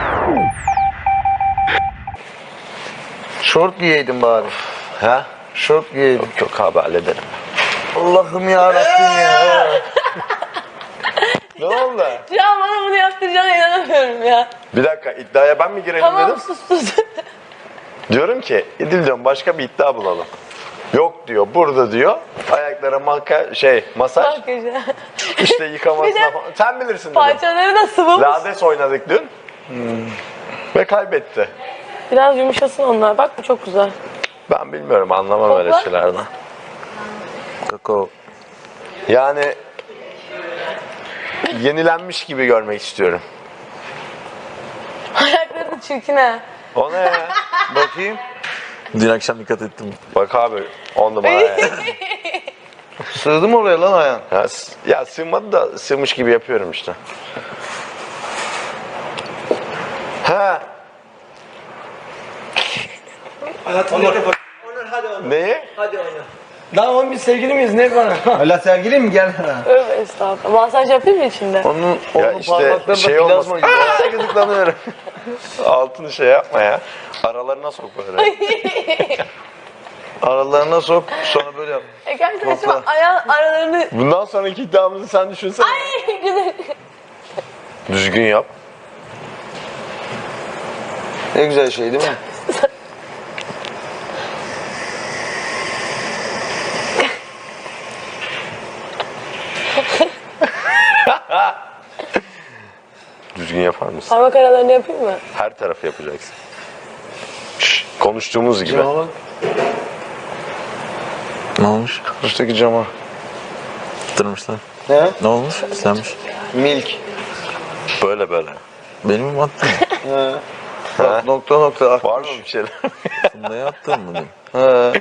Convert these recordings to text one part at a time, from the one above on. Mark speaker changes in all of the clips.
Speaker 1: Şort giyeydin bari.
Speaker 2: Ha?
Speaker 1: Şort giyeydin.
Speaker 2: Yok abi hallederim.
Speaker 1: Allah'ım yarabbim ya.
Speaker 2: Ne oldu?
Speaker 3: Ya bana bunu yaptıracağına inanamıyorum ya.
Speaker 2: Bir dakika iddiaya ben mi girelim
Speaker 3: Tamam
Speaker 2: dedim.
Speaker 3: sus.
Speaker 2: Diyorum ki İdil diyorum başka bir iddia bulalım. Yok diyor burada diyor ayaklara masaj
Speaker 3: Makyajı.
Speaker 2: işte yıkamasına
Speaker 3: Bir de
Speaker 2: falan. Sen bilirsin dedim.
Speaker 3: Parçaları da sıvımış.
Speaker 2: Lades oynadık dün. Ve kaybetti.
Speaker 3: Biraz yumuşasın onlar. Bak bu çok güzel.
Speaker 2: Ben bilmiyorum anlamam öyle
Speaker 3: Kokla.
Speaker 2: şeylerden.
Speaker 1: Kakao.
Speaker 2: Yani yenilenmiş gibi görmek istiyorum.
Speaker 3: Ayakları da çirkin ha.
Speaker 2: O ne ya?
Speaker 1: Bakayım.
Speaker 4: Dün akşam dikkat ettim.
Speaker 2: Bak abi 10 numara ya.
Speaker 1: Sığdı mı oraya lan ayağın?
Speaker 2: Ya sığmadı da sığmış gibi yapıyorum işte. Ha. Neyi?
Speaker 5: Daha 11 sevgili miyiz ne bana?
Speaker 1: Hala sevgili mi gel?
Speaker 3: Öyle estağfurullah. Masaj yapayım mı içinde?
Speaker 1: Onun
Speaker 2: işte
Speaker 1: parmakları
Speaker 2: şey
Speaker 1: da
Speaker 2: olmasın.
Speaker 1: plazma gibi.
Speaker 2: Gıdıklanıyorum. Altını şey yapma ya. Aralarına sok böyle.
Speaker 1: Aralarına sok sonra böyle yap.
Speaker 3: Gerçekten şu
Speaker 1: Kokla.
Speaker 3: ayağın aralarını...
Speaker 2: Bundan sonraki iddiamızı sen düşünsene.
Speaker 3: Ay güzel.
Speaker 2: Düzgün yap.
Speaker 1: Ne güzel şey değil mi?
Speaker 2: Düzgün yapar mısın?
Speaker 3: Parmak aralarını yapayım mı?
Speaker 2: Her tarafı yapacaksın. Şşş, konuştuğumuz gibi.
Speaker 1: Cama bak.
Speaker 4: Ne olmuş?
Speaker 1: Üstteki cama.
Speaker 4: Attırmışlar.
Speaker 1: Ne?
Speaker 4: Ne olmuş? Pislenmiş.
Speaker 1: Milk.
Speaker 2: Böyle böyle.
Speaker 4: Benim mi attın?
Speaker 1: Bak, nokta nokta akmış.
Speaker 2: Var mı bir şeyler?
Speaker 4: Funda'ya attın mı dün?
Speaker 1: He.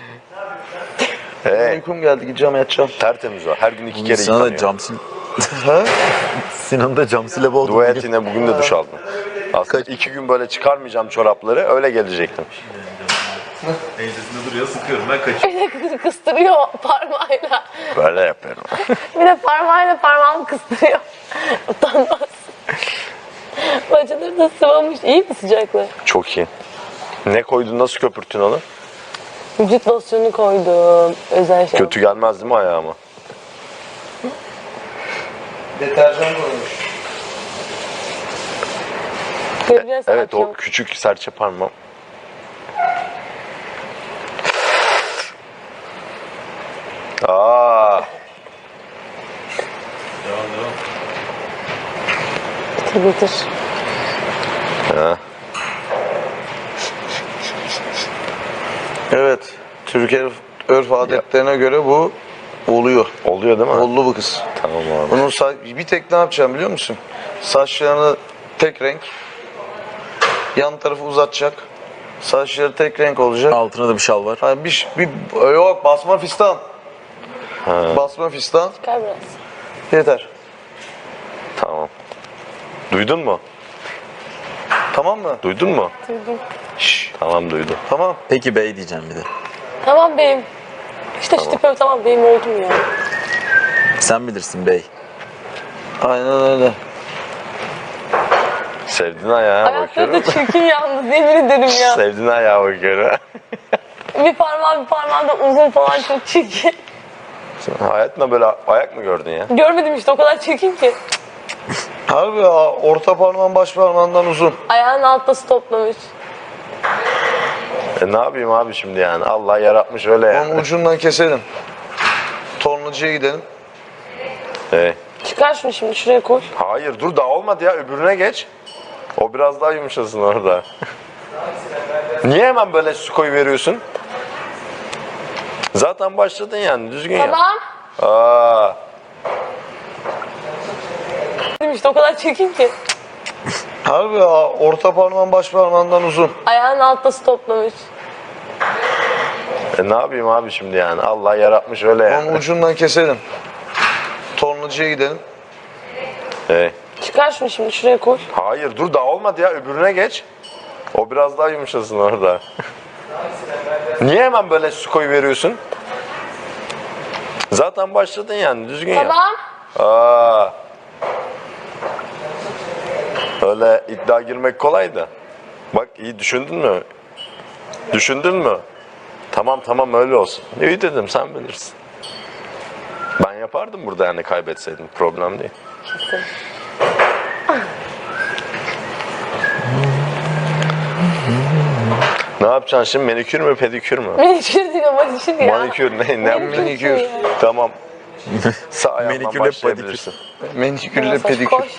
Speaker 2: Hey,
Speaker 1: Uykum geldi gideceğim yatacağım.
Speaker 2: tertemiz o. Her gün 2 kere
Speaker 4: Sinan da
Speaker 2: yıkanıyor.
Speaker 4: camsil...
Speaker 1: He?
Speaker 4: Sinan da camsile boğdu.
Speaker 2: Dua et yine bugün de duş aldım. Aslında 2 gün böyle çıkarmayacağım çorapları öyle gelecektim.
Speaker 4: Ensesinde duruyor sıkıyorum ben kaçıyorum.
Speaker 3: Bir de kıstırıyor parmağıyla.
Speaker 2: Böyle yapıyorum.
Speaker 3: Bir de parmağıyla parmağımı kıstırıyor. Utanmaz. Bacıları da sıvamış. İyi mi sıcaklığı?
Speaker 2: Çok iyi. Ne koydun nasıl köpürttün onu?
Speaker 3: Vücut losyonu koydum. Özel şey.
Speaker 2: Kötü gelmez değil mi ayağıma?
Speaker 1: Deterjan koymuş.
Speaker 3: Göreceğiz
Speaker 2: Evet
Speaker 3: akşam.
Speaker 2: o küçük serçe parmağım. Aa,
Speaker 3: Bitir bitir.
Speaker 2: ha.
Speaker 1: Evet. Türk örf adetlerine göre bu oluyor.
Speaker 2: Oluyor değil mi?
Speaker 1: Oldu bu kız.
Speaker 2: Tamam abi.
Speaker 1: Bunun bir tek ne yapacağım biliyor musun? Saçlarını tek renk. Yan tarafı uzatacak. Saçları tek renk olacak.
Speaker 4: Altına da bir şal var.
Speaker 1: Ha, yok basma fistan. Basma fistan.
Speaker 3: Çıkar biraz.
Speaker 1: Yeter.
Speaker 2: Tamam. Duydun mu?
Speaker 1: Tamam mı?
Speaker 2: Duydun mu?
Speaker 3: Duydum.
Speaker 2: Şşş, tamam duydum.
Speaker 1: Tamam.
Speaker 4: Peki bey diyeceğim bir de.
Speaker 3: Tamam beyim. İşte şu tipim tamam beyim oldum ya.
Speaker 4: Sen bilirsin bey.
Speaker 1: Aynen öyle.
Speaker 2: Sevdiğin ayağa
Speaker 3: Ayakları
Speaker 2: bakıyorum.
Speaker 3: da çirkin yalnız yemin ederim ya.
Speaker 2: Sevdiğin ayağa bakıyorum.
Speaker 3: Bir parmağı da uzun falan çok çirkin.
Speaker 2: Sen hayatında böyle ayak mı gördün ya?
Speaker 3: Görmedim işte o kadar çirkin ki.
Speaker 1: Harbi ya, orta parmağın baş parmağından uzun.
Speaker 3: Ayağının altta toplamış.
Speaker 2: Ne yapayım abi şimdi yani? Allah yaratmış öyle yani.
Speaker 1: Onun ucundan keselim. Tornacıya gidelim.
Speaker 3: Çıkar şunu şimdi şuraya koy.
Speaker 2: Hayır dur daha olmadı ya öbürüne geç. O biraz daha yumuşasın orada. Niye hemen böyle su koyu veriyorsun? Zaten başladın yani düzgün yap.
Speaker 3: Tamam.
Speaker 2: Aa,
Speaker 3: İşte o kadar çirkin ki.
Speaker 1: Harbi ya, orta parmağın baş parmağından uzun.
Speaker 3: Ayağının altta toplamış.
Speaker 2: ne yapayım abi şimdi yani? Allah yaratmış öyle yani.
Speaker 1: Onun ucundan keselim. Tornacıya gidelim.
Speaker 3: Çıkar şunu şimdi şuraya koy.
Speaker 2: Hayır dur daha olmadı ya öbürüne geç. O biraz daha yumuşasın orada. Niye hemen böyle su koyu veriyorsun? Zaten başladın yani düzgün yap.
Speaker 3: Tamam.
Speaker 2: Aa. Öyle iddia girmek kolay da. Bak iyi düşündün mü? Düşündün mü? Tamam öyle olsun. İyi dedim sen bilirsin. Ben yapardım burada yani kaybetseydim. Problem değil.
Speaker 3: Kesin.
Speaker 2: Ne yapacaksın şimdi? Manikür mü pedikür mü?
Speaker 3: Manikür değil, manikür ya.
Speaker 2: Manikür ne?
Speaker 1: Manikür.
Speaker 2: Tamam. Sağ ayağından
Speaker 4: Manikürle
Speaker 2: başlayabilirsin.
Speaker 1: Menikürle
Speaker 3: Saç
Speaker 1: pedikür.
Speaker 3: koş.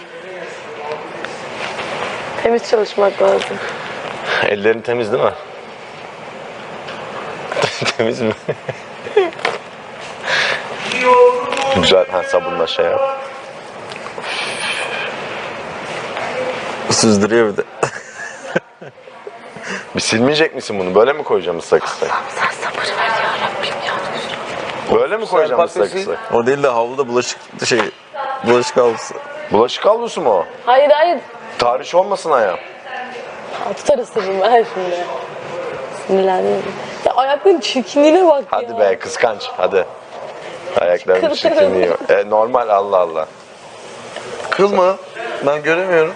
Speaker 3: Temiz çalışmak lazım.
Speaker 2: Ellerin temiz değil mi? Temiz mi? Güzel. Ha sabunla şey yap.
Speaker 4: Süzdürüyor bir de.
Speaker 2: Bir silmeyecek misin bunu? Böyle mi koyacağım ıslak ıslak?
Speaker 3: Sen sabır ver ya Rabbim ya.
Speaker 2: Böyle mi koyacağım ıslak ıslak?
Speaker 4: O değil de havluda bulaşık havlusu.
Speaker 2: Bulaşık havlusu mu o?
Speaker 3: Hayır.
Speaker 2: Tarih olmasın ayağım.
Speaker 3: Tutar ısırırım ben şimdi. Sinirlendim. Ya ayakların çirkinliğine bak ya.
Speaker 2: Hadi be kıskanç hadi. Ayaklarının
Speaker 3: Kıl.
Speaker 2: çirkinliği. Normal Allah Allah.
Speaker 1: Kıl mı? Ben göremiyorum.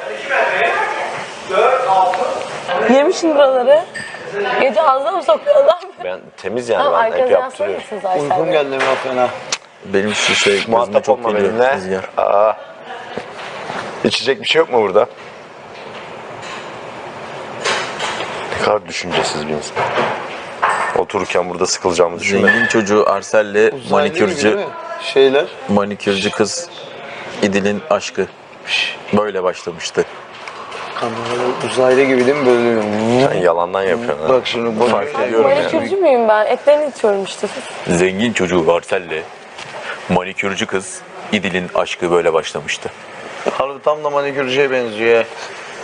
Speaker 3: Yemişsin buraları. Gece ağzına mı sokuyorlar?
Speaker 2: Ben temiz yani
Speaker 3: Tamam
Speaker 2: ben hep
Speaker 3: arkanızdan
Speaker 2: yaptırıyorum.
Speaker 3: mısınız Aysel
Speaker 1: Uykum
Speaker 3: Bey?
Speaker 1: geldi ben fena.
Speaker 4: Benim şu şey gözüme
Speaker 2: Muhatap
Speaker 4: çok
Speaker 2: olma
Speaker 4: geliyor
Speaker 2: benimle.
Speaker 4: rüzgar.
Speaker 2: Aa. İçecek bir şey yok mu burada? Ne kadar düşüncesiz bir insan. Otururken burada sıkılacağımı düşünmedim.
Speaker 4: Zengin çocuğu Arsel'le manikürcü
Speaker 1: Şeyler.
Speaker 4: manikürcü kız İdil'in aşkı böyle başlamıştı.
Speaker 1: Kameralar uzaylı gibi değil mi böyle?
Speaker 2: Sen yalandan yapıyorsun. ha.
Speaker 1: Bak şimdi bak.
Speaker 2: Fark ediyorum yani.
Speaker 3: Manikürcü müyüm ben? Etlerini içiyorum işte.
Speaker 4: Zengin çocuğu Arsel'le manikürcü kız İdil'in aşkı böyle başlamıştı.
Speaker 1: Harbi tam da manikürcüye benziyor ya.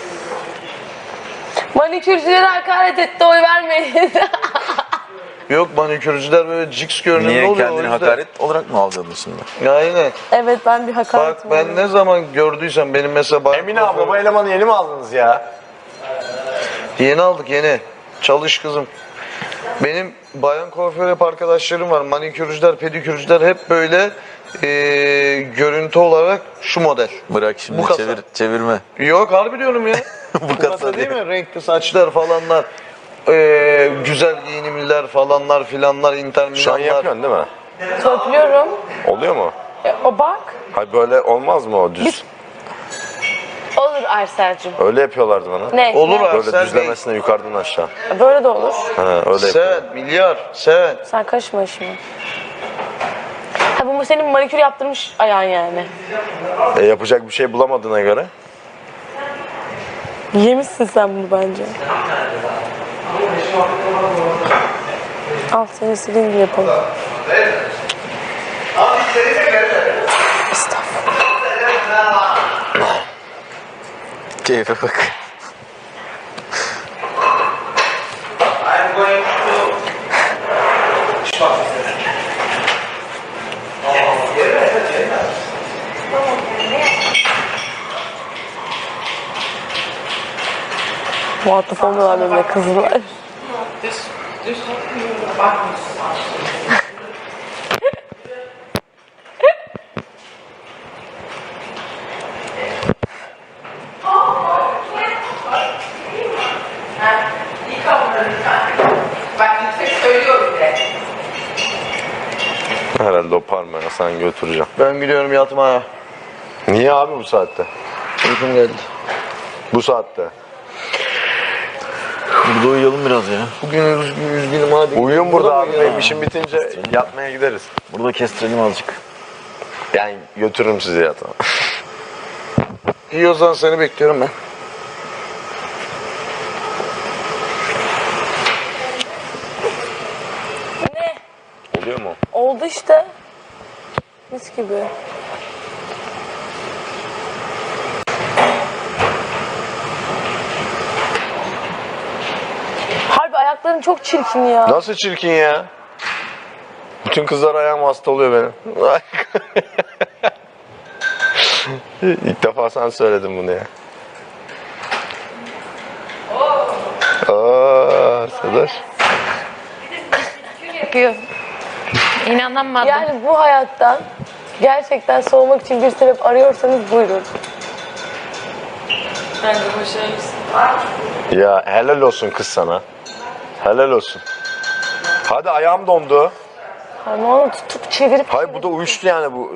Speaker 3: Manikürcülere hakaret etti, oy vermeyin.
Speaker 1: Yok manikürcüler böyle ciks görünümlü
Speaker 4: Niye
Speaker 1: oluyor. o
Speaker 4: kendini
Speaker 1: yüzden.
Speaker 4: hakaret olarak mı algıladın şimdi?
Speaker 1: Aynen.
Speaker 3: Evet ben bir hakaret
Speaker 1: Bak ben ne zaman gördüysem benim mesela bayan
Speaker 2: Emine abla bu elemanı yeni mi aldınız ya?
Speaker 1: Yeni aldık yeni. Çalış kızım. Benim bayan kuaför hep arkadaşlarım var. Manikürcüler, pedikürcüler hep böyle görüntü olarak şu model.
Speaker 4: Bırak şimdi
Speaker 1: Bu kasa.
Speaker 4: çevirme.
Speaker 1: Yok harbi diyorum ya.
Speaker 4: Bu
Speaker 1: Bu kasa değil mi? Renkli saçlar falanlar. Güzel giyinimliler falanlar filanlar,
Speaker 2: Şu an
Speaker 1: interminanlar.
Speaker 2: yapıyorsun değil mi?
Speaker 3: Törpülüyorum.
Speaker 2: Oluyor mu?
Speaker 3: O bak.
Speaker 2: Hayır böyle olmaz mı o düz?
Speaker 3: Olur Arsel'cim.
Speaker 2: Öyle yapıyorlardı bana.
Speaker 3: Ne?
Speaker 1: Olur
Speaker 3: ne?
Speaker 1: abi.
Speaker 2: Böyle
Speaker 1: Sen
Speaker 2: düzlemesine yukarıdan aşağı.
Speaker 3: Böyle de olur.
Speaker 2: Ha, öyle yapıyorlar.
Speaker 1: Sen milyar sen.
Speaker 3: Sen karışma işime. Ha bu senin manikür yaptırmış ayağın yani.
Speaker 2: Yapacak bir şey bulamadığına göre.
Speaker 3: Yemişsin sen bunu bence. Al seni istediğin gibi yapalım. Estağfurullah.
Speaker 4: Keyfe bak.
Speaker 3: Muhatap olmuyorlar benimle kızlar.
Speaker 6: Bak yüksek söylüyorum bile.
Speaker 2: Herhalde o parmağı sen götüreceğim.
Speaker 1: Ben gidiyorum yatmaya.
Speaker 2: Niye abi bu saatte?
Speaker 1: Uykum geldi.
Speaker 2: Bu saatte.
Speaker 4: Burada uyuyalım biraz ya.
Speaker 1: Bugün üzgünüm hadi.
Speaker 2: Uyuyun burada abi.
Speaker 1: mı ya?
Speaker 2: Benim işim bitince yatmaya gideriz.
Speaker 4: Burada kestirelim azıcık.
Speaker 2: Yani götürürüm sizi yatağa.
Speaker 1: İyi o zaman seni bekliyorum ben.
Speaker 3: Ne?
Speaker 2: Oluyor mu?
Speaker 3: Oldu işte. Mis gibi. Harbi ayakların çok çirkin ya.
Speaker 2: Nasıl çirkin ya? Bütün kızlar ayağım hasta oluyor benim. İlk defa sen söyledin bunu ya. Arkadaş.
Speaker 7: Yapıyor. İnanamadım.
Speaker 3: Yani bu hayattan gerçekten soğumak için bir sebep arıyorsanız buyurun.
Speaker 7: Bence başarılısın.
Speaker 2: Ya helal olsun kız sana. Helal olsun. Hadi ayağım dondu.
Speaker 3: Parmağını tutup çevirip
Speaker 2: Hayır bu da uyuştu yani bu.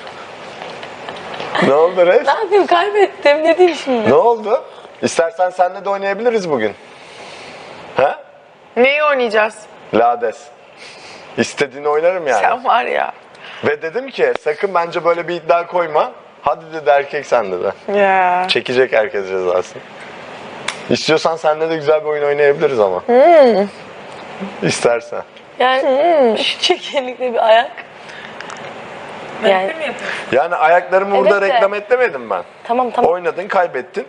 Speaker 2: Ne oldu Ref?
Speaker 3: ne yapayım, kaybettim, ne diyeyim şimdi?
Speaker 2: Ne oldu? İstersen seninle de oynayabiliriz bugün. He?
Speaker 7: Neyi oynayacağız?
Speaker 2: Lades. İstediğini oynarım yani.
Speaker 7: Sen var ya.
Speaker 2: Ve dedim ki sakın bence böyle bir iddia koyma. Hadi dedi erkek sen dedi.
Speaker 7: Ya.
Speaker 2: Çekecek herkes cezasını. İstiyorsan seninle de güzel bir oyun oynayabiliriz ama. İstersen.
Speaker 3: Yani şu çekenlikle bir ayak. Yani
Speaker 2: Yani ayaklarımı burada
Speaker 3: Evet de.
Speaker 2: reklam etmedim ben.
Speaker 3: tamam.
Speaker 2: Oynadın, kaybettin.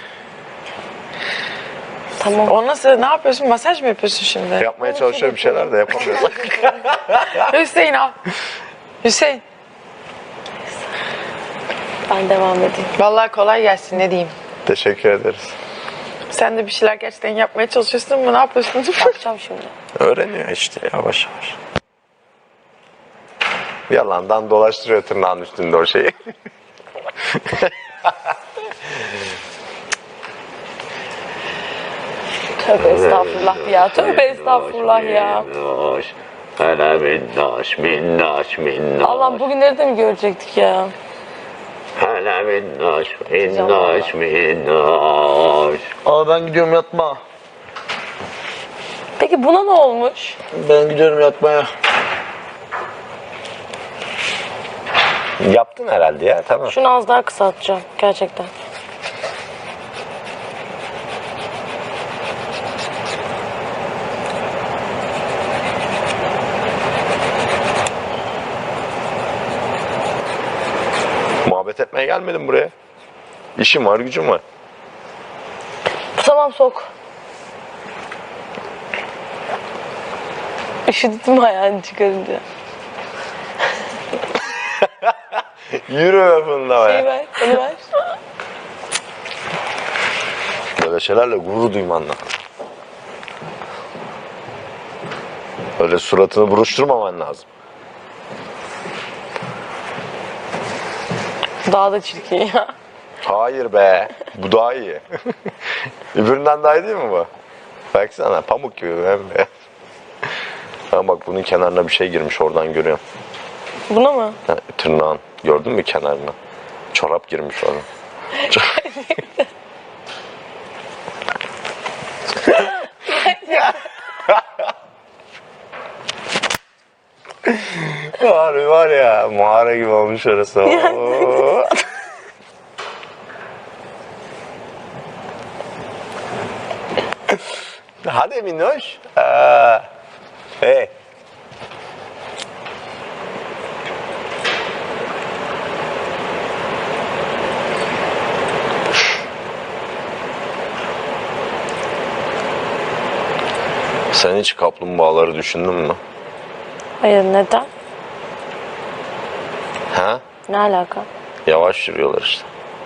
Speaker 3: Tamam.
Speaker 7: O nasıl? Ne yapıyorsun? Masaj mı yapıyorsun şimdi?
Speaker 2: Yapmaya çalışıyorum bir şeyler de yapamıyorum.
Speaker 7: Hüseyin al. Hüseyin.
Speaker 3: Ben devam edeyim.
Speaker 7: Vallahi kolay gelsin, ne diyeyim.
Speaker 2: Teşekkür ederiz.
Speaker 7: Sen de bir şeyler gerçekten yapmaya çalışıyorsun ama ne yapıyorsun?
Speaker 3: Yapacağım şimdi.
Speaker 2: Öğreniyor işte yavaş yavaş. Yalandan dolaştırıyor tırnağın üstünde o şeyi.
Speaker 3: Tövbe estağfurullah ya. Tövbe estağfurullah ya.
Speaker 4: Minnoş, hele minnoş, minnoş, minnoş.
Speaker 3: Allah'ım bugünleri de mi görecektik ya?
Speaker 4: Hele minnoş, minnoş, minnoş.
Speaker 1: Abi ben gidiyorum yatma.
Speaker 3: Peki buna ne olmuş?
Speaker 1: Ben gidiyorum yatmaya.
Speaker 2: Yaptın herhalde ya tamam.
Speaker 3: Şunu az daha kısaltacağım gerçekten.
Speaker 2: Muhabbet etmeye gelmedim buraya. İşim var, gücüm var.
Speaker 3: Tamam, sok. Üşüdüm ayağını çıkarınca.
Speaker 2: Yürü be fında
Speaker 3: Şey
Speaker 2: be.
Speaker 3: ver, onu ver.
Speaker 2: Böyle şeylerle gurur duyman lazım. Öyle suratını buruşturmaman lazım.
Speaker 3: Daha da çirkin ya.
Speaker 2: Hayır be. Bu daha iyi. Öbüründen daha iyi değil mi bu? Baksana pamuk gibi bembeyaz. Ha bak bunun kenarına bir şey girmiş oradan görüyorum.
Speaker 3: Buna mı?
Speaker 2: Ha, tırnağın. Gördün mü kenarına? Çorap girmiş orada. var ya mağara gibi olmuş orası. Oo. Hadi minnoş. Hey. Sen hiç kaplumbağaları düşündün mü?
Speaker 3: Hayır, neden?
Speaker 2: Ha?
Speaker 3: Ne alaka?
Speaker 2: Yavaş yürüyorlar işte.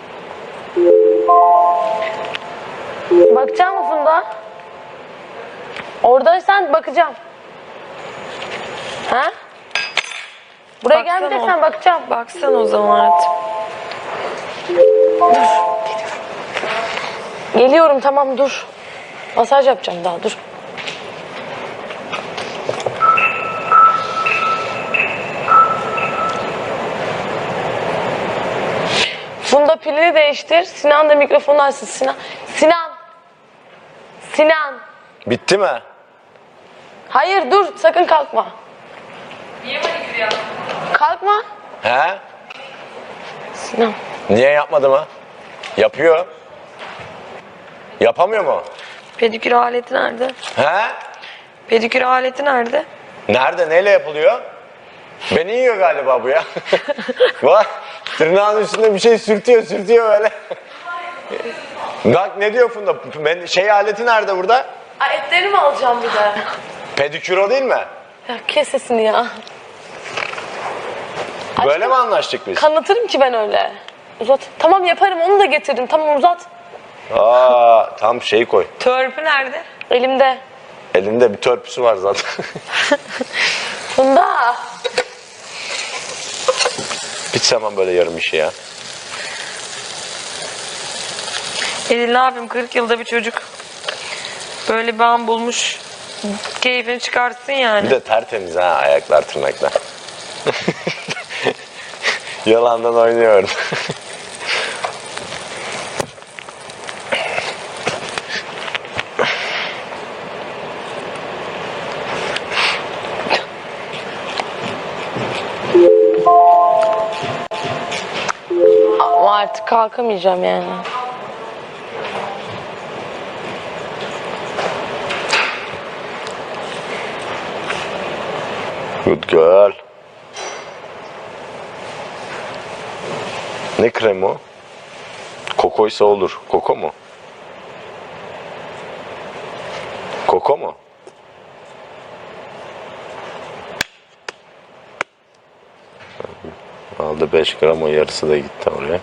Speaker 3: Bakacak mı Funda? Oradaysan bakacağım. Ha? Buraya
Speaker 7: Baksana
Speaker 3: gelmeyeceksen bakacağım.
Speaker 7: Baksana o zaman hayatım.
Speaker 3: Geliyorum, tamam, dur. Masaj yapacağım daha, dur. Funda pilini değiştir. Sinan da mikrofonu açsın. Sinan.
Speaker 2: Bitti mi?
Speaker 3: Hayır, dur, sakın kalkma.
Speaker 6: Niye manikür yaptın?
Speaker 3: Kalkma.
Speaker 2: He?
Speaker 3: Sinan.
Speaker 2: Niye yapmadı mı? Yapıyor. Yapamıyor mu?
Speaker 7: Pedikür aleti nerede?
Speaker 2: He?
Speaker 7: Pedikür aleti nerede?
Speaker 2: Nerede? Neyle yapılıyor? Beni yiyor galiba bu ya. Bak tırnağın üstünde bir şey sürtüyor böyle. Bak ne diyor Funda? Ben, şey aleti nerede burada?
Speaker 3: Ay, etlerini mi alacağım bir de?
Speaker 2: Pedikür o değil mi?
Speaker 3: Ya kes sesini ya.
Speaker 2: Böyle mi anlaştık biz?
Speaker 3: Kanıtırım ki ben öyle. Uzat. Tamam, yaparım, onu da getirdim. Tamam, uzat.
Speaker 2: Aa, tam şey koy.
Speaker 7: Törpü nerede?
Speaker 3: Elimde.
Speaker 2: Elinde bir törpüsü var zaten.
Speaker 3: Funda.
Speaker 2: Hiç sevmem böyle yarım işi ya.
Speaker 7: Edil ne yapayım 40 yılda bir çocuk. Böyle bir an bulmuş. Keyfini çıkarsın yani.
Speaker 2: Bir de tertemiz ha ayaklar tırnaklar. Yalandan oynuyorum.
Speaker 3: Ama artık kalkamayacağım yani.
Speaker 2: Good girl. Ne kremi o? Kokoysa olur. Koko mu? Koko mu? Aldı 5 gram, o yarısı da gitti oraya.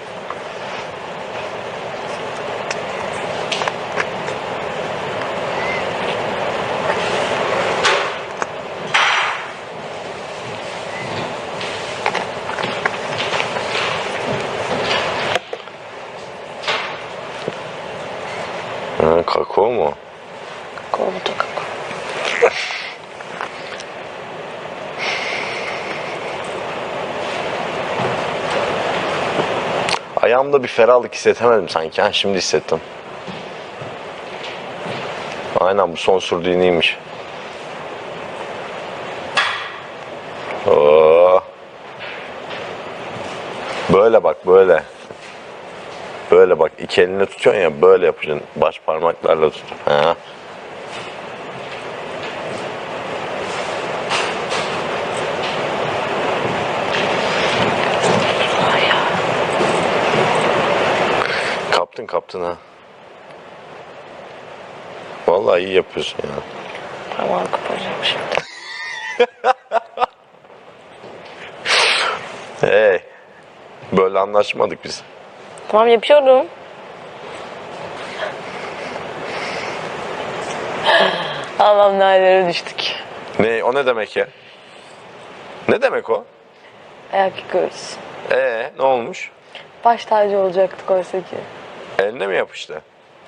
Speaker 2: Ha, kakao mu?
Speaker 3: Kovdu kakao.
Speaker 2: Ayağımda bir ferahlık hissetemedim sanki. Ha, şimdi hissettim. Aynen, bu son sürdüğü iyiymiş. Oo. Böyle bak, böyle. Böyle bak, iki elini tutuyorsun ya, böyle yapacaksın. Baş parmaklarla tut. Ha. Kaptın ha. Vallahi iyi yapıyorsun ya.
Speaker 3: Parmağını koparacağım şimdi.
Speaker 2: Hey. Böyle anlaşmadık biz.
Speaker 3: Tamam yapıyorum. Allah'ım nerelere düştük.
Speaker 2: Ne, o ne demek ya? Ne demek o?
Speaker 3: Ayak yıkıyoruz.
Speaker 2: Ne olmuş?
Speaker 3: Baş tacı olacaktık oysa ki.
Speaker 2: Eline mi yapıştı?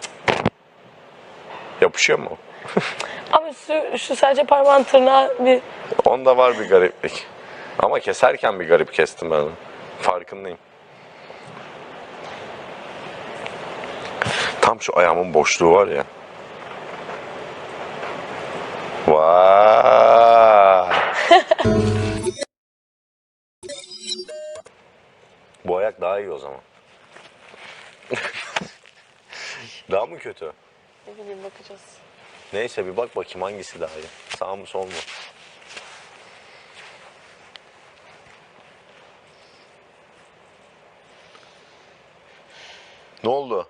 Speaker 2: Yapışıyor mu?
Speaker 3: Ama şu sadece parmağın tırnağı bir...
Speaker 2: Onda var bir gariplik. Ama keserken bir garip kestim ben onu. Farkındayım. Tam şu ayağımın boşluğu var ya. Vay. Bu ayak daha iyi o zaman. Daha mı kötü?
Speaker 3: Ne bileyim bakacağız.
Speaker 2: Neyse, bir bak bakayım hangisi daha iyi. Sağ mı sol mu? Ne oldu?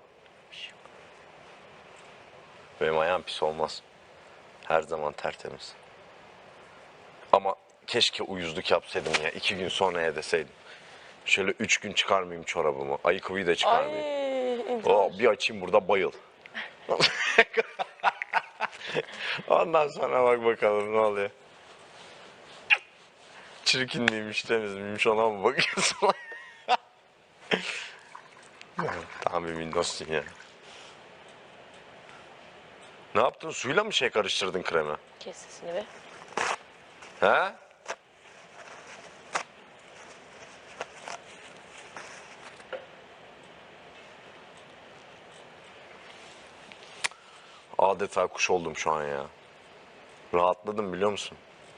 Speaker 2: Benim ayağım pis olmaz. Her zaman tertemiz. Ama keşke uyuzluk yapsaydım ya. 2 gün sonra deseydim. Şöyle 3 gün çıkarmayayım çorabımı. Ayakkabıyı da çıkarmayayım.
Speaker 3: Ay,
Speaker 2: Bir açayım burada, bayıl. Ondan sonra bak bakalım ne oluyor. Çirkinliğiymiş, temiz miymiş, ona mı bakıyorsun? Tamam, bir minnoşsun ya. Ne yaptın? Suyla mı şey karıştırdın kremi?
Speaker 3: kes sesini be.
Speaker 2: He? Adeta kuş oldum şu an ya. Rahatladım, biliyor musun?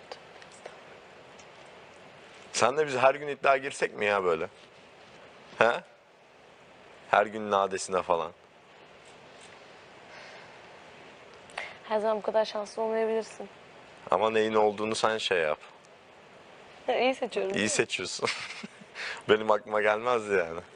Speaker 2: Sen de biz her gün iddia girsek mi ya böyle? He? Her gün nadesine falan.
Speaker 3: Her zaman bu kadar şanslı olmayabilirsin.
Speaker 2: Ama neyin olduğunu sen şey yap.
Speaker 3: İyi seçiyorum.
Speaker 2: İyi seçiyorsun. Benim aklıma gelmezdi yani.